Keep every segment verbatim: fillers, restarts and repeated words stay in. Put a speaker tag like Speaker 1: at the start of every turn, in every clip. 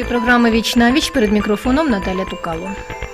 Speaker 1: ефірі програми «Віч на віч», перед мікрофоном Наталя Тукало.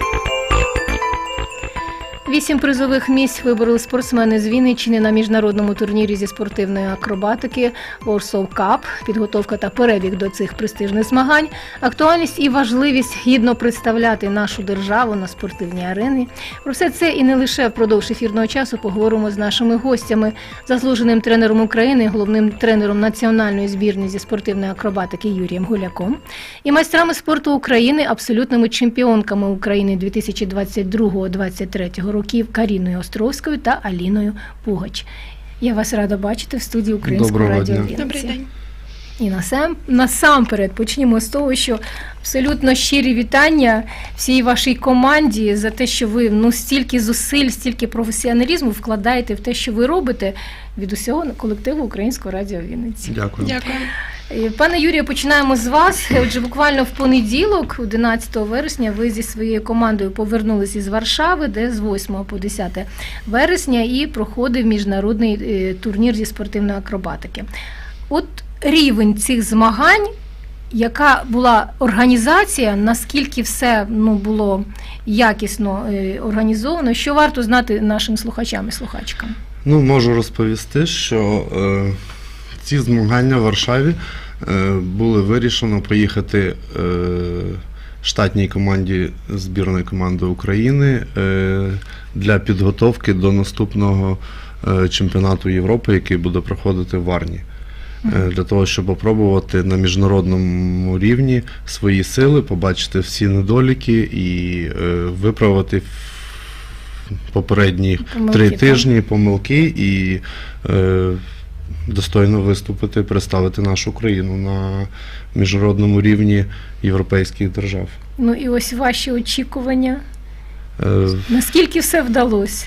Speaker 1: Вісім призових місць вибороли спортсмени з Вінниччини на міжнародному турнірі зі спортивної акробатики Warsaw Cup. Підготовка та перебіг до цих престижних змагань, актуальність і важливість гідно представляти нашу державу на спортивній арені. Про все це і не лише впродовж ефірного часу поговоримо з нашими гостями, заслуженим тренером України, головним тренером національної збірної зі спортивної акробатики Юрієм Гуляком і майстрами спорту України, абсолютними чемпіонками України дві тисячі двадцять другого - двадцять третього років Каріною Островською та Аліною Пугач. Я вас рада бачити в студії Українського радіо Вінниці.
Speaker 2: Добрий день.
Speaker 1: І насам, насамперед почнімо з того, що абсолютно щирі вітання всій вашій команді за те, що ви ну, стільки зусиль, стільки професіоналізму вкладаєте в те, що ви робите, від усього колективу Українського радіо Вінниці.
Speaker 3: Дякую.
Speaker 2: Дякую.
Speaker 1: Пане Юрію, починаємо з вас. Отже, буквально в понеділок, одинадцятого вересня, ви зі своєю командою повернулися із Варшави, де з восьмого по десяте вересня і проходив міжнародний турнір зі спортивної акробатики. От рівень цих змагань, яка була організація, наскільки все ну, було якісно організовано, що варто знати нашим слухачам і слухачкам?
Speaker 3: Ну, можу розповісти, що е, ці змагання в Варшаві е, були вирішено поїхати е, штатній команді збірної команди України е, для підготовки до наступного е, чемпіонату Європи, який буде проходити в Варні. Е, для того, щоб опробувати на міжнародному рівні свої сили, побачити всі недоліки і е, виправити попередні
Speaker 1: Помилки,
Speaker 3: три
Speaker 1: так.
Speaker 3: тижні помилки і е, достойно виступити, представити нашу країну на міжнародному рівні європейських держав.
Speaker 1: Ну і ось ваші очікування.
Speaker 3: Е,
Speaker 1: Наскільки все вдалося?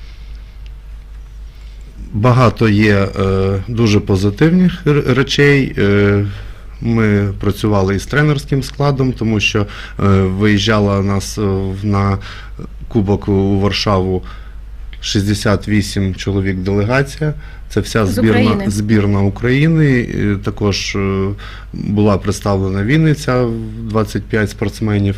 Speaker 3: Багато є е, дуже позитивних р- речей. Е, Ми працювали із тренерським складом, тому що е, виїжджала нас е, на Кубок у Варшаву шістдесят вісім чоловік делегація. Це вся
Speaker 1: З
Speaker 3: збірна,
Speaker 1: України.
Speaker 3: збірна України. Е, Також е, була представлена Вінниця, двадцять п'ять спортсменів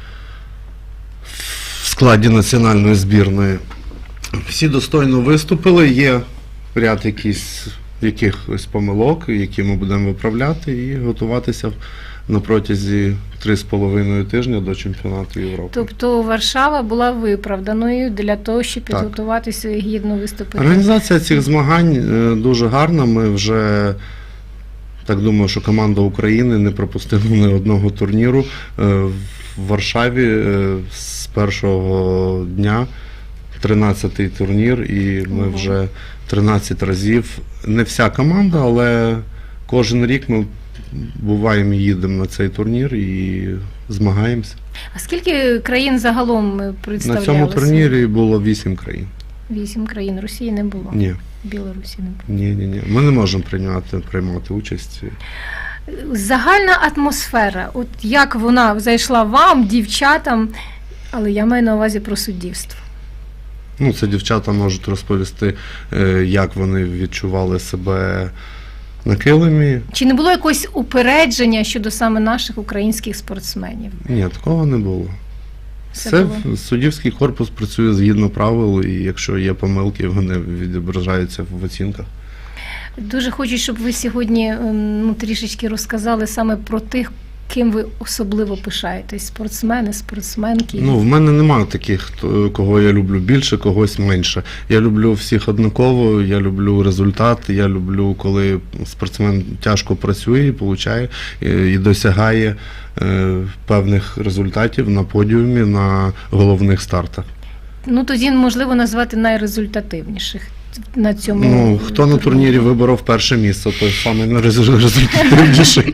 Speaker 3: в складі національної збірної. Всі достойно виступили, є ряд якісь, якихось помилок, які ми будемо виправляти і готуватися на протязі три з половиною тижня до чемпіонату Європи.
Speaker 1: Тобто Варшава була виправданою для того, щоб
Speaker 3: Так.
Speaker 1: підготуватися і гідно виступити.
Speaker 3: Організація цих змагань е, дуже гарна. Ми вже, так думаю, що команда України не пропустила ні одного турніру е, в Варшаві е, з першого дня. тринадцятий турнір, і ми
Speaker 1: Ого.
Speaker 3: вже тринадцять разів. Не вся команда, але кожен рік ми буваємо і їдемо на цей турнір і змагаємося.
Speaker 1: А скільки країн загалом
Speaker 3: На
Speaker 1: представлялося?
Speaker 3: цьому турнірі було вісім країн.
Speaker 1: Вісім країн. Росії не було.
Speaker 3: Ні,
Speaker 1: Білорусі не було.
Speaker 3: ні, ні, ні. Ми не можемо приймати, приймати участь.
Speaker 1: Загальна атмосфера, от як вона зайшла вам, дівчатам, але я маю на увазі про суддівство.
Speaker 3: Ну, це дівчата можуть розповісти, е, як вони відчували себе на килимі.
Speaker 1: Чи не було якогось упередження щодо саме наших українських спортсменів?
Speaker 3: Ні, такого не було.
Speaker 1: Все
Speaker 3: Це
Speaker 1: було.
Speaker 3: суддівський корпус працює згідно правил, і якщо є помилки, вони відображаються в оцінках.
Speaker 1: Дуже хочу, щоб ви сьогодні ем, ну, трішечки розказали саме про тих, ким ви особливо пишаєтесь. Спортсмени, спортсменки.
Speaker 3: Ну, в мене немає таких, хто- кого я люблю більше, когось менше. Я люблю всіх однаково, я люблю результат, я люблю, коли спортсмен тяжко працює і получає, і, і досягає е, певних результатів на подіумі, на головних стартах.
Speaker 1: Ну, тоді, можливо, назвати найрезультативніших на цьому
Speaker 3: Ну, хто на турнірі виборов перше місце, той самий найрезультативніший.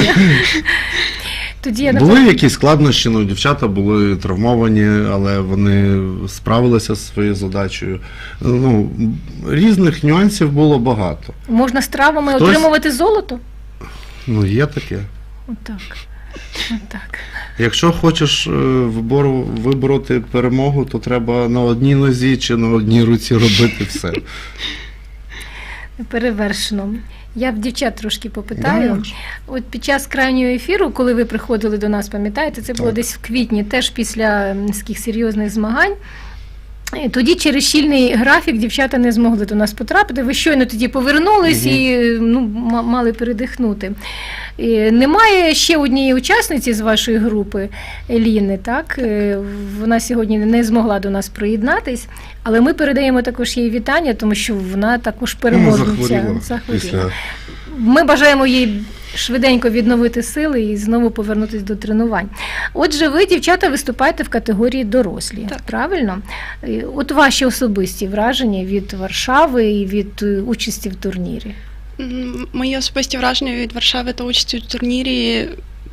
Speaker 1: Тоді я
Speaker 3: Були якісь складнощі, ну, дівчата були травмовані, але вони справилися зі своєю задачею. Ну, різних нюансів було багато.
Speaker 1: можна з травами
Speaker 3: Хтось-
Speaker 1: отримувати золото?
Speaker 3: Ну, є таке.
Speaker 1: Отак. Отак.
Speaker 3: Якщо хочеш е, вибору, вибороти перемогу, то треба на одній нозі чи на одній руці робити все.
Speaker 1: Перевершено. Я в дівчат трошки
Speaker 3: Да,
Speaker 1: попитаю.
Speaker 3: як же.
Speaker 1: От під час крайнього ефіру, коли ви приходили до нас, пам'ятаєте, це було
Speaker 3: Так.
Speaker 1: десь в квітні, теж після таких серйозних змагань. І тоді через щільний графік дівчата не змогли до нас потрапити. Ви щойно тоді повернулись
Speaker 3: Мгм.
Speaker 1: і ну, м- мали передихнути. І немає ще однієї учасниці з вашої групи, Еліни, так? Е, Вона сьогодні не змогла до нас приєднатись, але ми передаємо також їй вітання, тому що вона також
Speaker 3: Ну,
Speaker 1: переможниця.
Speaker 3: захворіла
Speaker 1: Захворіла.
Speaker 3: після.
Speaker 1: Ми бажаємо їй швиденько відновити сили і знову повернутися до тренувань. Отже, ви, дівчата, виступаєте в категорії дорослі,
Speaker 2: Так.
Speaker 1: правильно? Е, От ваші особисті враження від Варшави і від е, участі в турнірі.
Speaker 2: М, Мої особисті враження від Варшави та участі у турнірі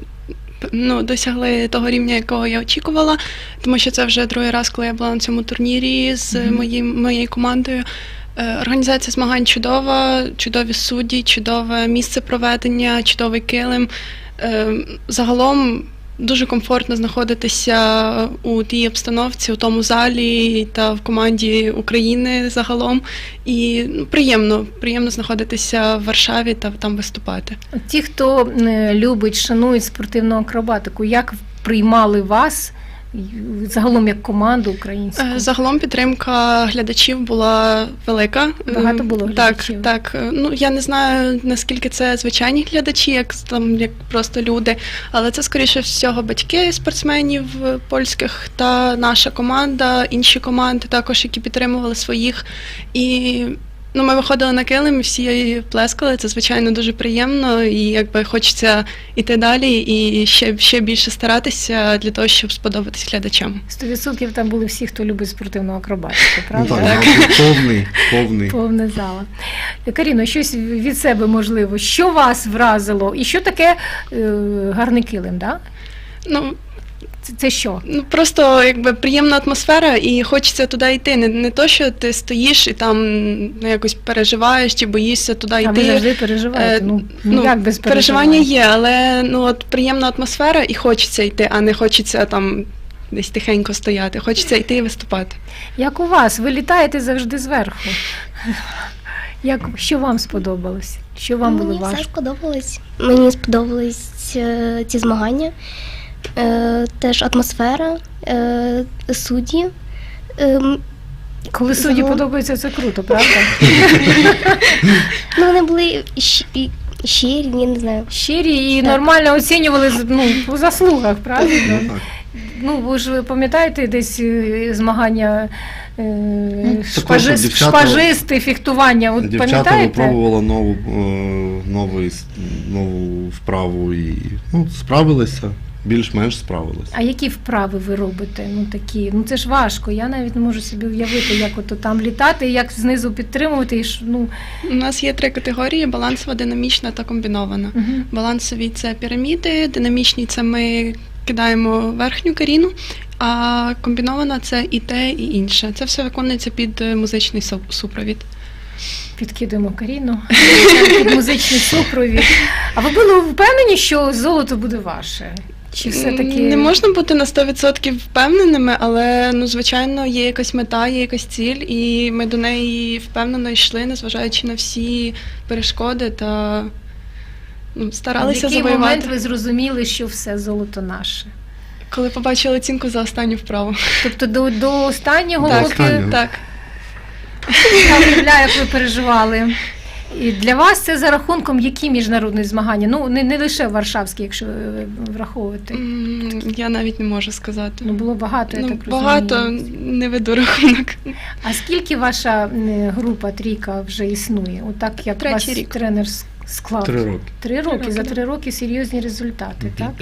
Speaker 2: ну, досягли того рівня, якого я очікувала, тому що це вже другий раз, коли я була на цьому турнірі з
Speaker 1: Мгм.
Speaker 2: моїм, моєю командою. Е, Організація змагань чудова, чудові судді, чудове місце проведення, чудовий килим. Е, Загалом дуже комфортно знаходитися у тій обстановці, у тому залі та в команді України загалом. І ну, приємно, приємно знаходитися в Варшаві та там виступати.
Speaker 1: От ті, хто е, любить, шанують спортивну акробатику, як приймали вас і загалом як команду українську?
Speaker 2: Е, Загалом підтримка глядачів була велика.
Speaker 1: Багато було глядачів?
Speaker 2: Так, так. Ну я не знаю наскільки це звичайні глядачі, як там як просто люди, але це скоріше всього батьки спортсменів польських та наша команда, інші команди також, які підтримували своїх. І ну, ми виходили на килим, і всі плескали. Це звичайно дуже приємно, і якби хочеться йти далі і ще, ще більше старатися для того, щоб сподобатись глядачам.
Speaker 1: Сто відсотків там були всі, хто любить спортивну акробатику,
Speaker 3: Ну,
Speaker 1: правда?
Speaker 3: так, мабуть, повний, повний.
Speaker 1: Повне зала. Каріно, щось від себе можливо. Що вас вразило? І що таке е, гарний килим? Да?
Speaker 2: Ну,
Speaker 1: Це, це що?
Speaker 2: Ну просто якби приємна атмосфера, і хочеться туди йти. Не, не то, що ти стоїш і там ну, якось переживаєш чи боїшся туди
Speaker 1: А
Speaker 2: йти.
Speaker 1: ви завжди переживаєте?
Speaker 2: Е,
Speaker 1: Ну,
Speaker 2: ну,
Speaker 1: як без
Speaker 2: переживання
Speaker 1: переживань?
Speaker 2: є, але ну от приємна атмосфера і хочеться йти, а не хочеться там десь тихенько стояти. Хочеться йти і виступати.
Speaker 1: Як у вас? Ви літаєте завжди зверху. Як, що вам сподобалось? Що вам було
Speaker 4: Мені все
Speaker 1: важко?
Speaker 4: сподобалось. Мені сподобались е, ці змагання, е, теж атмосфера, е, судді. Е, м,
Speaker 1: Коли судді
Speaker 4: загалом-
Speaker 1: подобається, це круто, правда?
Speaker 4: ну, вони були щ- і- щирі, я не знаю.
Speaker 1: Щирі і
Speaker 4: Так.
Speaker 1: нормально оцінювали з- ну, по заслугах, правильно?
Speaker 3: Ну, так.
Speaker 1: Ну, ви ж пам'ятаєте десь е, змагання е,
Speaker 3: також
Speaker 1: шпажи-
Speaker 3: дівчата-
Speaker 1: шпажисти, фехтування? От
Speaker 3: Дівчата
Speaker 1: пам'ятаєте?
Speaker 3: випробували нову, е, новий с- нову вправу і ну, справилися, більш-менш справилися.
Speaker 1: А які вправи ви робите? Ну такі, ну це ж важко. Я навіть не можу собі уявити, як ото там літати, як знизу підтримувати. І ж, ну,
Speaker 2: У нас є три категорії: балансова, динамічна та комбінована.
Speaker 1: угу.
Speaker 2: Балансові це піраміди, динамічні це ми кидаємо верхню каріну, а комбінована це і те, і інше. Це все виконується під е, музичний су- супровід.
Speaker 1: Підкидуємо Каріну під музичний супровід. А ви були впевнені, що золото буде ваше? Чи все-таки
Speaker 2: Не можна бути на сто відсотків впевненими, але ну звичайно є якась мета, є якась ціль, і ми до неї впевнено йшли, незважаючи на всі перешкоди та ну,
Speaker 1: в
Speaker 2: старалися
Speaker 1: який
Speaker 2: завоювати.
Speaker 1: момент ви зрозуміли, що все золото наше?
Speaker 2: Коли побачили оцінку за останню вправу.
Speaker 1: Тобто до, до останнього,
Speaker 3: Так,
Speaker 1: поки
Speaker 3: останнього.
Speaker 2: Так.
Speaker 1: я уявляю, як ви переживали. І для вас це за рахунком які міжнародні змагання? Ну, не, не лише варшавські, якщо е, враховувати.
Speaker 2: М, Я навіть не можу сказати.
Speaker 1: Ну, було багато, я
Speaker 2: Ну,
Speaker 1: так
Speaker 2: багато,
Speaker 1: розумію.
Speaker 2: не веду рахунок.
Speaker 1: А скільки ваша м, група трійка вже існує? Отак, як
Speaker 2: Третій
Speaker 1: вас
Speaker 2: рік.
Speaker 1: тренер с- склав?
Speaker 3: Три роки.
Speaker 1: Три роки.
Speaker 2: роки,
Speaker 1: За
Speaker 2: да.
Speaker 1: три роки серйозні результати, так?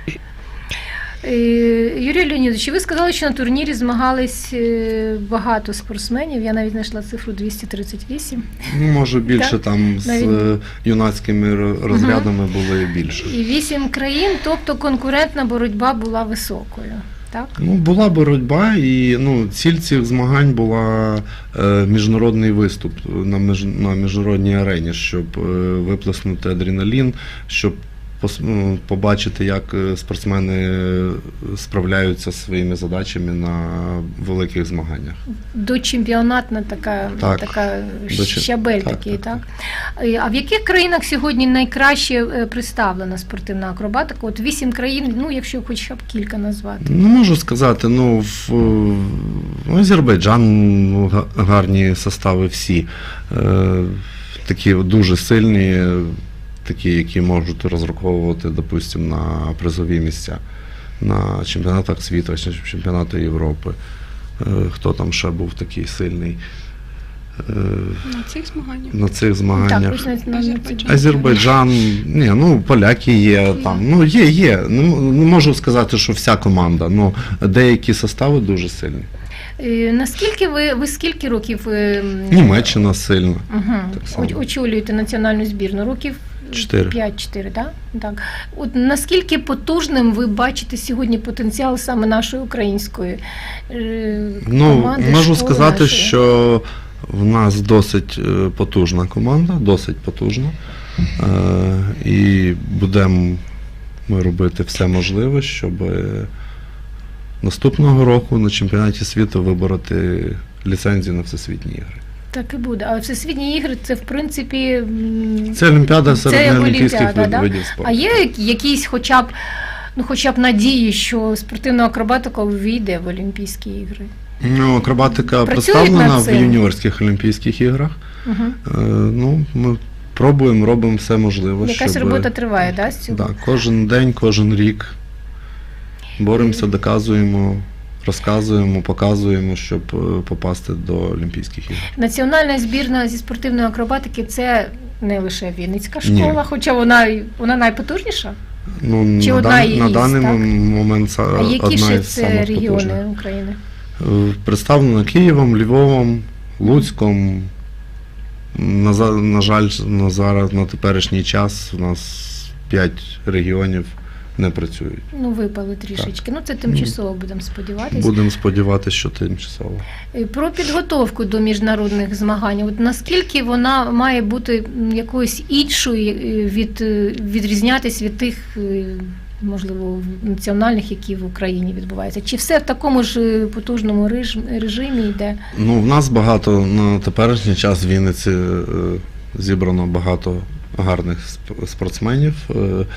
Speaker 1: Е, Юрій Леонідович, ви сказали, що на турнірі змагались е, багато спортсменів. Я навіть знайшла цифру двісті тридцять вісім.
Speaker 3: Ну, може більше
Speaker 1: Так,
Speaker 3: там з
Speaker 1: навіть-
Speaker 3: е, юнацькими ро- розрядами було більше.
Speaker 1: І вісім країн, тобто конкурентна боротьба була високою. Так?
Speaker 3: Ну, була боротьба, і ну, ціль цих змагань була е, міжнародний виступ на, між, на міжнародній арені, щоб е, виплеснути адреналін, щоб пос- ну, побачити, як е, спортсмени справляються зі своїми задачами на великих змаганнях.
Speaker 1: Дочемпіонатна така,
Speaker 3: Так.
Speaker 1: така
Speaker 3: Дочем-
Speaker 1: щабель
Speaker 3: так,
Speaker 1: такий, так?
Speaker 3: так,
Speaker 1: Е, А в яких країнах сьогодні найкраще е, представлена спортивна акробатика? От вісім країн, ну якщо хоча б кілька назвати.
Speaker 3: Ну, можу сказати, ну, в, в Азербайджан ну, га- гарні состави всі. Е, такі дуже сильні, такі, які можуть розраховувати, допустимо, на призові місця. На чемпіонатах світу, чи чемпіонатах Європи. Е, хто там ще був такий сильний е,
Speaker 2: На цих змаганнях.
Speaker 3: на цих
Speaker 1: Так,
Speaker 3: змаганнях?
Speaker 1: ось на- на-
Speaker 2: Азербайджан.
Speaker 3: Азербайджан, ні, ну поляки є там. Ну є, є. Не, м- не можу сказати, що вся команда. Ну деякі состави дуже сильні.
Speaker 1: Е, Наскільки ви, ви скільки років е, м,
Speaker 3: Німеччина сильна.
Speaker 1: Угу.
Speaker 3: Так само.
Speaker 1: Очолюєте національну збірну? Років
Speaker 3: Чотири.
Speaker 1: п'ять-чотири, так? Так. От наскільки потужним ви бачите сьогодні потенціал саме нашої української е,
Speaker 3: Ну
Speaker 1: команди?
Speaker 3: можу
Speaker 1: школи
Speaker 3: сказати,
Speaker 1: нашої?
Speaker 3: що в нас досить е, потужна команда, досить потужна. Е, і будемо ми робити все можливе, щоб е, наступного року на чемпіонаті світу вибороти ліцензію на всесвітні ігри.
Speaker 1: Так і буде. А всесвітні ігри це в принципі м,
Speaker 3: Це Олімпіада
Speaker 1: Це
Speaker 3: серед неолімпійських
Speaker 1: Олімпіада,
Speaker 3: вид-
Speaker 1: да?
Speaker 3: видів спорту.
Speaker 1: А є якісь хоча б ну хоча б надії, що спортивна акробатика ввійде в Олімпійські ігри?
Speaker 3: Ну, акробатика
Speaker 1: Працюють
Speaker 3: представлена
Speaker 1: над
Speaker 3: в
Speaker 1: цим?
Speaker 3: юніорських Олімпійських іграх.
Speaker 1: Угу.
Speaker 3: Е, ну, ми пробуємо, робимо все можливе,
Speaker 1: Якась
Speaker 3: щоб...
Speaker 1: робота триває, да, з цього?
Speaker 3: Да, кожен день, кожен рік боремося, доказуємо, розказуємо, показуємо, щоб е, попасти до Олімпійських ігор.
Speaker 1: Національна збірна зі спортивної акробатики це не лише Вінницька
Speaker 3: Ні.
Speaker 1: школа, хоча вона й- вона найпотужніша.
Speaker 3: Ну,
Speaker 1: Чи
Speaker 3: на,
Speaker 1: одна
Speaker 3: дан-
Speaker 1: із,
Speaker 3: на даний
Speaker 1: так?
Speaker 3: момент це
Speaker 1: А які
Speaker 3: одна
Speaker 1: ще
Speaker 3: із
Speaker 1: це
Speaker 3: самих
Speaker 1: регіони
Speaker 3: потужних.
Speaker 1: України?
Speaker 3: Е, Представлено Києвом, Львовом, Луцьком. На, за- на жаль, на зараз, на теперішній час у нас п'ять регіонів не працюють.
Speaker 1: Ну, випали трішечки. Ну, це тимчасово, будемо сподіватися.
Speaker 3: Будемо сподіватися, що тимчасово.
Speaker 1: Е, Про підготовку до міжнародних змагань. От наскільки вона має бути м, якоюсь іншою, е, від, е, відрізнятись від тих, е, можливо, національних, які в Україні відбуваються? Чи все в такому ж е, потужному реж- режимі йде?
Speaker 3: Ну, в нас багато на теперішній час в Вінниці е, зібрано багато гарних сп- спортсменів. Е,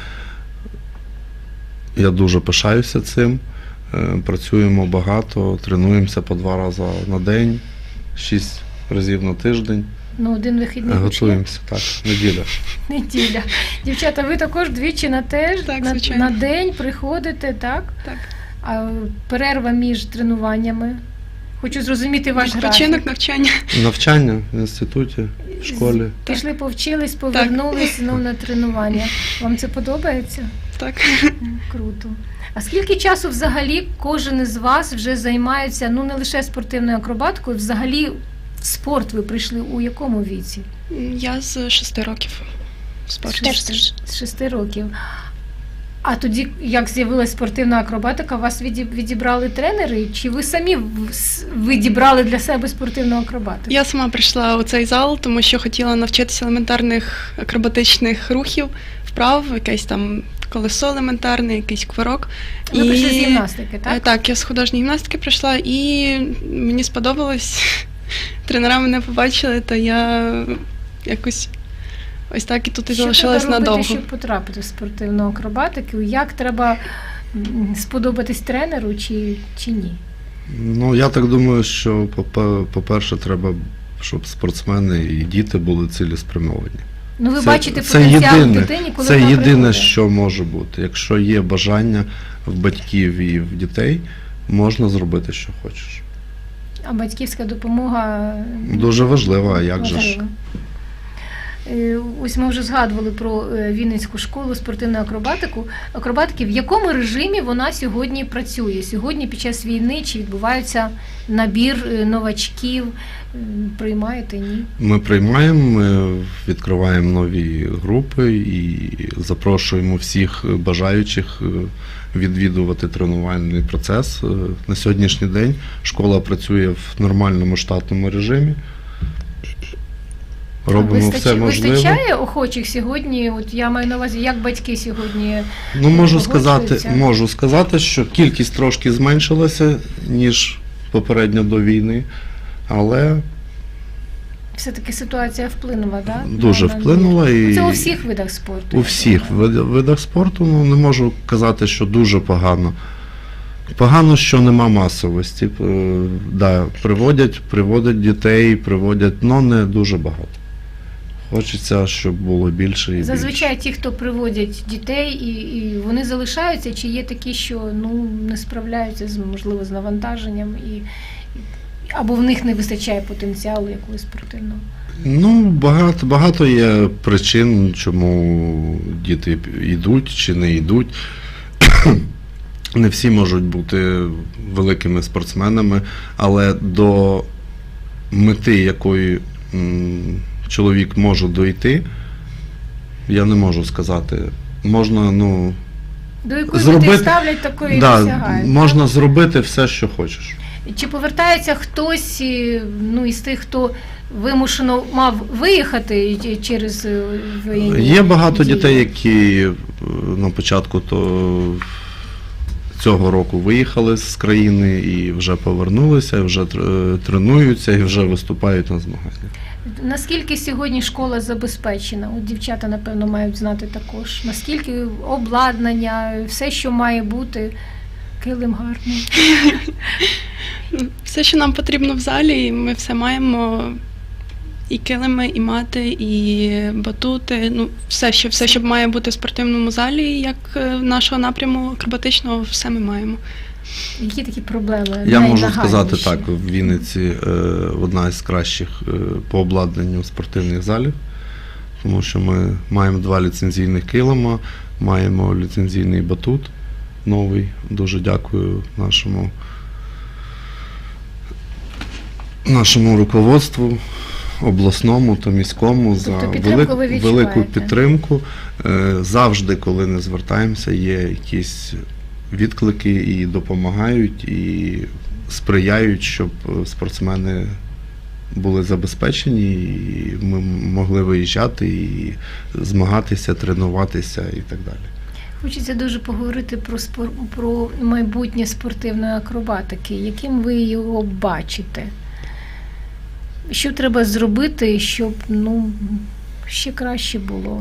Speaker 3: Я дуже пишаюся цим. Е, Працюємо багато, тренуємося по два рази на день, шість разів на тиждень.
Speaker 1: Ну, один вихідний хоч є?
Speaker 3: Готуємося, так, неділя.
Speaker 1: Неділя. Дівчата, ви також двічі на теж
Speaker 2: Так,
Speaker 1: на,
Speaker 2: звичайно.
Speaker 1: на день приходите, так?
Speaker 2: Так.
Speaker 1: А перерва між тренуваннями. Хочу зрозуміти ваш
Speaker 2: Відпочинок,
Speaker 1: графік.
Speaker 2: навчання.
Speaker 3: Навчання в інституті, в школі.
Speaker 1: Пішли, повчились, повернулись знов на тренування. Вам це подобається?
Speaker 2: Так.
Speaker 1: Круто. А скільки часу взагалі кожен із вас вже займається, ну не лише спортивною акробатикою, взагалі в спорт ви прийшли у якому віці?
Speaker 2: Я з шести років в спорті.
Speaker 1: З- З шести років. А тоді, як з'явилася спортивна акробатика, вас віді- відібрали тренери? Чи ви самі в- с- відібрали для себе спортивну акробатику?
Speaker 2: Я сама прийшла у цей зал, тому що хотіла навчитися елементарних акробатичних рухів, вправ, якесь там колесо елементарне, якийсь квирок.
Speaker 1: Ви прийшли з гімнастики,
Speaker 2: Е,
Speaker 1: так?
Speaker 2: Так, я з художньої гімнастики прийшла, і мені сподобалось. Тренера мене побачили, та я якось ось так і тут і
Speaker 1: Що
Speaker 2: залишилась
Speaker 1: треба робити,
Speaker 2: надовго.
Speaker 1: щоб потрапити в спортивну акробатику? Як треба м, сподобатись тренеру чи, чи ні?
Speaker 3: Ну, я так думаю, що, попе- по-перше, треба, щоб спортсмени і діти були цілеспрямовані.
Speaker 1: Ну, ви
Speaker 3: Це-
Speaker 1: бачите
Speaker 3: це
Speaker 1: потенціал в
Speaker 3: єдине,
Speaker 1: дитині, коли
Speaker 3: Це
Speaker 1: вона
Speaker 3: єдине,
Speaker 1: приходить.
Speaker 3: що може бути. Якщо є бажання в батьків і в дітей, можна зробити, що хочеш.
Speaker 1: А батьківська допомога
Speaker 3: Дуже важливо, а як же ж?
Speaker 1: важлива. Е, Ось ми вже згадували про е, Вінницьку школу спортивну акробатику. Акробатики, в якому режимі вона сьогодні працює? Сьогодні під час війни чи відбувається набір е, новачків? М, Приймаєте, ні?
Speaker 3: Ми приймаємо, ми відкриваємо нові групи і запрошуємо всіх бажаючих е, відвідувати тренувальний процес. Е, На сьогоднішній день школа працює в нормальному штатному режимі. робимо
Speaker 1: Вистач-
Speaker 3: все можливе.
Speaker 1: Вистачає охочих сьогодні? От я маю на увазі, як батьки сьогодні.
Speaker 3: Ну, можу сказати,
Speaker 1: погоджуються?
Speaker 3: можу сказати, що кількість трошки зменшилася, ніж попередньо до війни, але
Speaker 1: Все-таки ситуація вплинула, так?
Speaker 3: дуже вплинула. І
Speaker 1: Це у всіх видах спорту.
Speaker 3: у всіх вид- видах спорту, ну, не можу казати, що дуже погано. Погано, що нема масовості. Е, Да, приводять, приводять дітей, приводять, але не дуже багато. Хочеться, щоб було більше і більше.
Speaker 1: Зазвичай ті, хто приводять дітей, і, і вони залишаються, чи є такі, що ну, не справляються з, можливо, з навантаженням, і, і- або в них не вистачає потенціалу якогось спортивного.
Speaker 3: Ну, багато, багато є причин, чому діти йдуть чи не йдуть. Не всі можуть бути великими спортсменами, але до мети, якої м, чоловік може дойти, я не можу сказати. Можна, ну,
Speaker 1: До якої
Speaker 3: Зробити-
Speaker 1: мети ставлять, такої
Speaker 3: да,
Speaker 1: досягають.
Speaker 3: можна зробити все, що хочеш.
Speaker 1: Чи повертається хтось і, ну, із тих, хто вимушено мав виїхати і- через е, воєнні
Speaker 3: Є багато
Speaker 1: дії?
Speaker 3: дітей, які е, на початку то, цього року виїхали з країни і вже повернулися, і вже тр- тренуються і вже виступають на змаганнях.
Speaker 1: Наскільки сьогодні школа забезпечена? От дівчата, напевно, мають знати також. Наскільки обладнання, все, що має бути, килим гарний.
Speaker 2: Все, що нам потрібно в залі, і ми все маємо. І килими, і мати, і батути. Ну, все, що, все, що має бути в спортивному залі, як е, нашого напряму акробатичного, все ми маємо.
Speaker 1: Які такі проблеми?
Speaker 3: Я можу сказати
Speaker 1: найнагальніші?
Speaker 3: так, в Вінниці е, одна із кращих е, по обладнанню спортивних залів, тому що ми маємо два ліцензійних килима, маємо ліцензійний батут новий. Дуже дякую нашому, нашому руководству, обласному та міському за
Speaker 1: Тобто підтримку ви
Speaker 3: велику, велику
Speaker 1: відчуваєте?
Speaker 3: підтримку. Е, Завжди, коли не звертаємося, є якісь відклики і допомагають, і сприяють, щоб спортсмени були забезпечені, і ми могли виїжджати і змагатися, тренуватися і так далі.
Speaker 1: Хочеться дуже поговорити про спор... про майбутнє спортивної акробатики. Яким ви його бачите? Що треба зробити, щоб ну, ще краще було?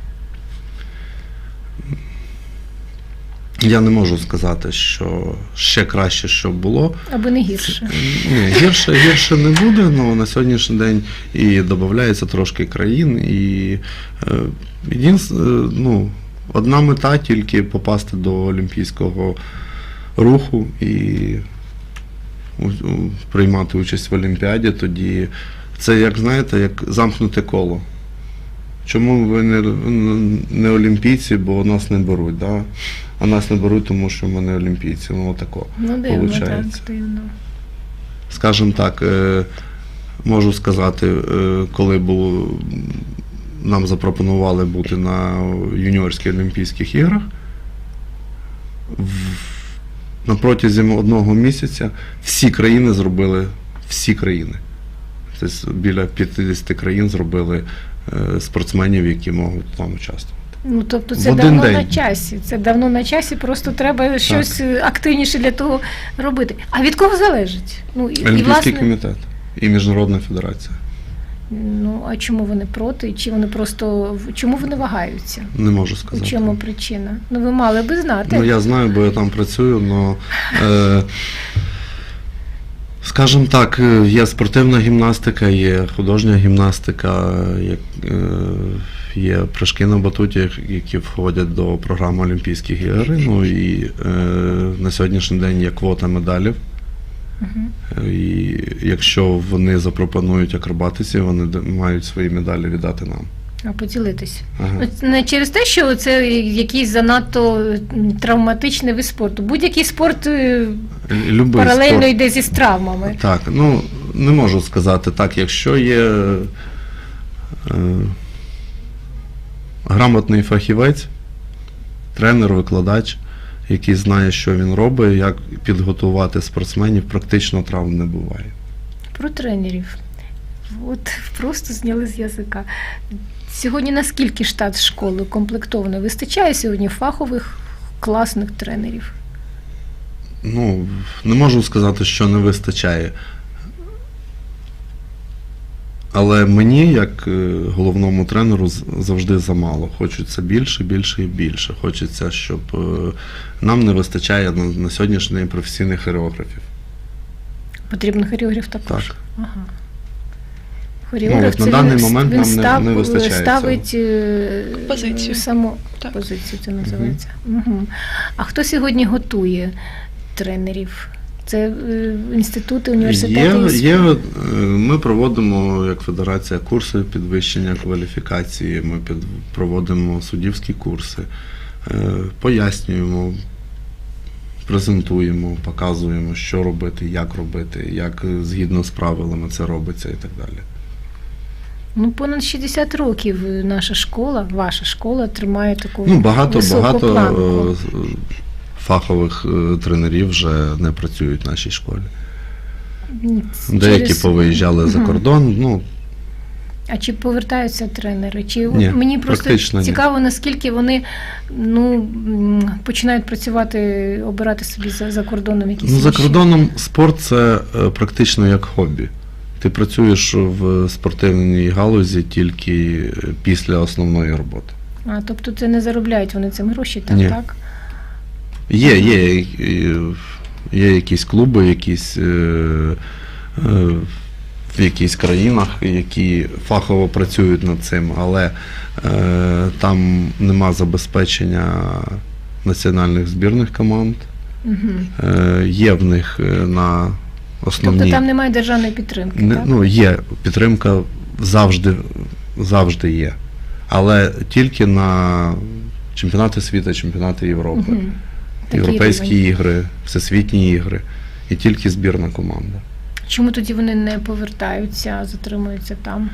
Speaker 3: Я не можу сказати, що ще краще, щоб було.
Speaker 1: Аби не гірше.
Speaker 3: Ні, гірше, гірше не буде, але на сьогоднішній день і додається трошки країн, і е, єдин, е, ну, одна мета тільки попасти до олімпійського руху і у- у- приймати участь в Олімпіаді, тоді це, як знаєте, як замкнуте коло. Чому ви не, не олімпійці, бо нас не беруть, да? А нас не беруть, тому що ми не олімпійці. Ну, отако.
Speaker 1: Ну, дивно,
Speaker 3: Получається.
Speaker 1: так, дивно.
Speaker 3: Скажімо так, е, можу сказати, е, коли був, нам запропонували бути на юніорських Олімпійських іграх, в- на протязі одного місяця всі країни зробили, всі країни. Тобто біля п'ятдесят країн зробили е, спортсменів, які можуть там участвувати.
Speaker 1: Ну, тобто
Speaker 3: В
Speaker 1: це
Speaker 3: один
Speaker 1: давно
Speaker 3: день.
Speaker 1: на часі. Це давно на часі, просто треба щось активніше для того робити. А від кого залежить? Ну, і, і,
Speaker 3: Олімпійський
Speaker 1: власне,
Speaker 3: комітет і Міжнародна федерація.
Speaker 1: ну, а чому вони проти? Чи вони просто чому вони вагаються?
Speaker 3: Не можу
Speaker 1: У
Speaker 3: сказати.
Speaker 1: чому причина? Ну, ви мали би знати.
Speaker 3: Ну, я знаю, бо я там працюю, але, е, скажімо так, е, є спортивна гімнастика, є художня гімнастика, є, е, є прыжки на батуті, які входять до програми Олімпійських ігор. Ну і е, на сьогоднішній день є квота медалів.
Speaker 1: Мгм.
Speaker 3: І якщо вони запропонують акробатиці, вони д- мають свої медалі віддати нам.
Speaker 1: А поділитись.
Speaker 3: Ага.
Speaker 1: От не через те, що це якийсь занадто м, травматичний вид спорту. Будь-який спорт е,
Speaker 3: Любий
Speaker 1: паралельно
Speaker 3: спорт.
Speaker 1: йде зі травмами.
Speaker 3: Так, ну не можу сказати так, якщо є е, грамотний фахівець, тренер, викладач, який знає, що він робить, як підготувати спортсменів, практично травм не буває.
Speaker 1: Про тренерів. От просто зняли з язика. Сьогодні наскільки штат школи укомплектований? Вистачає сьогодні фахових класних тренерів?
Speaker 3: Ну, не можу сказати, що не вистачає. Але мені, як е, головному тренеру, з- завжди замало. Хочеться більше, більше і більше. Хочеться, щоб е, нам не вистачає на, на сьогоднішній день професійних хореографів.
Speaker 1: Потрібен хореограф також?
Speaker 3: Так.
Speaker 1: Ага.
Speaker 3: Ну,
Speaker 1: Хореограф
Speaker 3: от на
Speaker 1: це
Speaker 3: даний
Speaker 1: він,
Speaker 3: момент
Speaker 1: він
Speaker 3: нам не-
Speaker 1: став,
Speaker 3: не вистачає
Speaker 1: ставить е,
Speaker 2: Позицію.
Speaker 1: саму
Speaker 2: Так.
Speaker 1: позицію, це називається. Угу. А хто сьогодні готує тренерів? Це е, інститути, університети?
Speaker 3: Є, є, е, ми проводимо, як федерація, курси підвищення кваліфікації, ми під, проводимо суддівські курси, е, пояснюємо, презентуємо, показуємо, що робити, як робити, як е, згідно з правилами це робиться і так далі.
Speaker 1: Ну, понад шістдесят років наша школа, ваша школа тримає таку
Speaker 3: Ну, багато,
Speaker 1: високу
Speaker 3: багато
Speaker 1: планку.
Speaker 3: е, з- фахових е, тренерів вже не працюють в нашій школі. Деякі
Speaker 1: Через-
Speaker 3: повиїжджали за
Speaker 1: Мгм.
Speaker 3: кордон, ну,
Speaker 1: А чи повертаються тренери? Чи
Speaker 3: Ні,
Speaker 1: мені просто
Speaker 3: практично ні.
Speaker 1: цікаво, наскільки вони ну м, починають працювати, обирати собі за, за кордоном якісь
Speaker 3: Ну, за
Speaker 1: інші?
Speaker 3: кордоном спорт це е, практично як хобі. Ти працюєш в спортивній галузі тільки е, після основної роботи.
Speaker 1: А тобто це не заробляють вони цим гроші, так?
Speaker 3: Ні.
Speaker 1: так?
Speaker 3: Є, є, е, є якісь клуби, якісь е, е, в якихось країнах, які фахово працюють над цим, але е, там нема забезпечення національних збірних команд.
Speaker 1: Угу.
Speaker 3: Е, є в них е, на основні.
Speaker 1: Тобто там немає державної підтримки,
Speaker 3: Не,
Speaker 1: так?
Speaker 3: ну, є підтримка завжди, завжди є. Але тільки на чемпіонати світу, чемпіонати Європи,
Speaker 1: Угу.
Speaker 3: європейські ігри, всесвітні ігри. І тільки збірна команда.
Speaker 1: Чому тоді вони не повертаються, а затримуються там?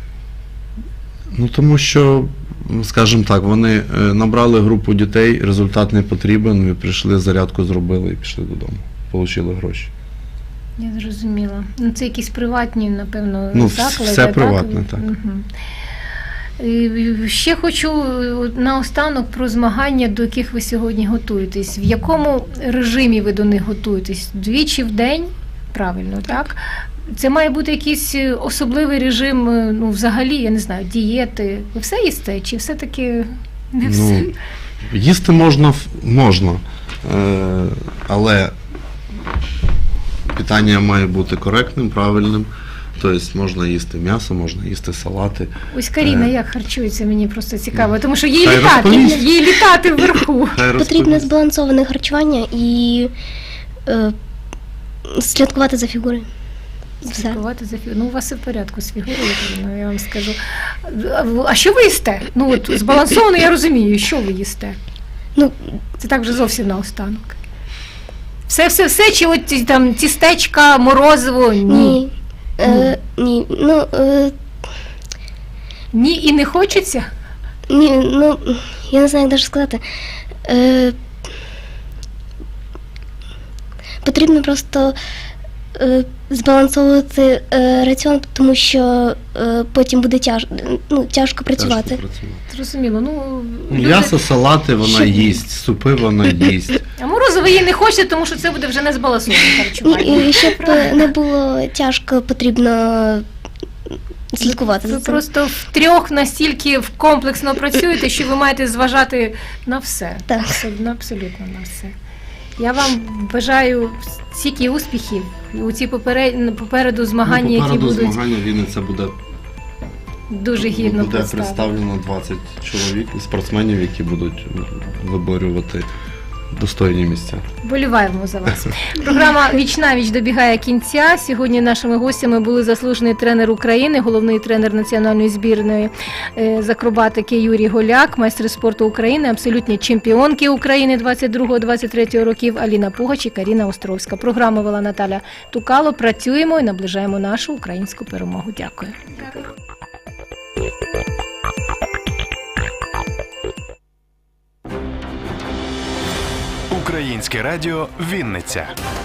Speaker 3: Ну тому що, скажімо так, вони е, набрали групу дітей, результат не потрібен, ви прийшли, зарядку зробили і пішли додому. Получили гроші.
Speaker 1: Я зрозуміла. Ну, це якісь приватні, напевно,
Speaker 3: Ну,
Speaker 1: заклади.
Speaker 3: все приватне, так.
Speaker 1: Мгм. І ще хочу е, наостанок про змагання, до яких ви сьогодні готуєтесь. В якому режимі ви до них готуєтесь? Двічі в день? Правильно, так? Це має бути якийсь е, особливий режим, е, ну, взагалі, я не знаю, дієти. Ви все їсте? Чи все-таки не все?
Speaker 3: Ну, їсти можна, в- можна, е, але питання має бути коректним, правильним. Тобто можна їсти м'ясо, можна їсти салати.
Speaker 1: Ось Каріна
Speaker 3: Е.
Speaker 1: як харчується, мені просто цікаво, тому що їй
Speaker 3: Хай
Speaker 1: літати,
Speaker 3: розповість.
Speaker 1: їй літати вверху.
Speaker 3: Хай
Speaker 4: Потрібне
Speaker 3: розповість.
Speaker 4: збалансоване харчування і е, слідкувати за фігурою. Все.
Speaker 1: Слідкувати за фігурою. Ну, у вас все в порядку з фігурою, Каріна, я вам скажу. А в- А що ви їсте? Ну, от збалансовано я розумію, що ви їсте?
Speaker 4: Ну,
Speaker 1: Це так вже зовсім наостанок. Все, все, все, чи от ті- там тістечка, морозиво? Ні.
Speaker 4: ні. Е, ні. Ну, е,
Speaker 1: Ні, і не хочеться?
Speaker 4: ні, ну, я не знаю, як навіть сказати. Е, потрібно просто е, збалансовувати е, раціон, тому що е, потім буде тяж, ну, тяжко працювати.
Speaker 3: Тяжко працювати.
Speaker 1: Зрозуміло. Ну, люди-
Speaker 3: М'ясо, салати вона
Speaker 1: Що?
Speaker 3: їсть, супи вона їсть.
Speaker 1: А морозиво їй не хочеться, тому що це буде вже не збалансоване
Speaker 4: Ні,
Speaker 1: харчування.
Speaker 4: і щоб е, не було тяжко, потрібно слідкувати
Speaker 1: Ви
Speaker 4: за цим.
Speaker 1: просто втрьох настільки комплексно працюєте, що ви маєте зважати на все.
Speaker 4: Так.
Speaker 1: Абсолютно, абсолютно на все. Я вам бажаю стільки успіхів у ці поперед- попереду змагання,
Speaker 3: Ну,
Speaker 1: які
Speaker 3: попереду
Speaker 1: будуть
Speaker 3: змагання Вінниця буде,
Speaker 1: дуже гідно
Speaker 3: буде
Speaker 1: представлені.
Speaker 3: представлено двадцять чоловік, спортсменів, які будуть виборювати достойні місця.
Speaker 1: Боліваємо за вас. Програма «Віч на віч» добігає кінця. Сьогодні нашими гостями були заслужений тренер України, головний тренер національної збірної е, з акробатики Юрій Голяк, майстри спорту України, абсолютні чемпіонки України двадцять другого - двадцять третього років Аліна Пугач і Каріна Островська. Програму вела Наталя Тукало. Працюємо і наближаємо нашу українську перемогу. Дякую.
Speaker 5: Українське радіо «Вінниця».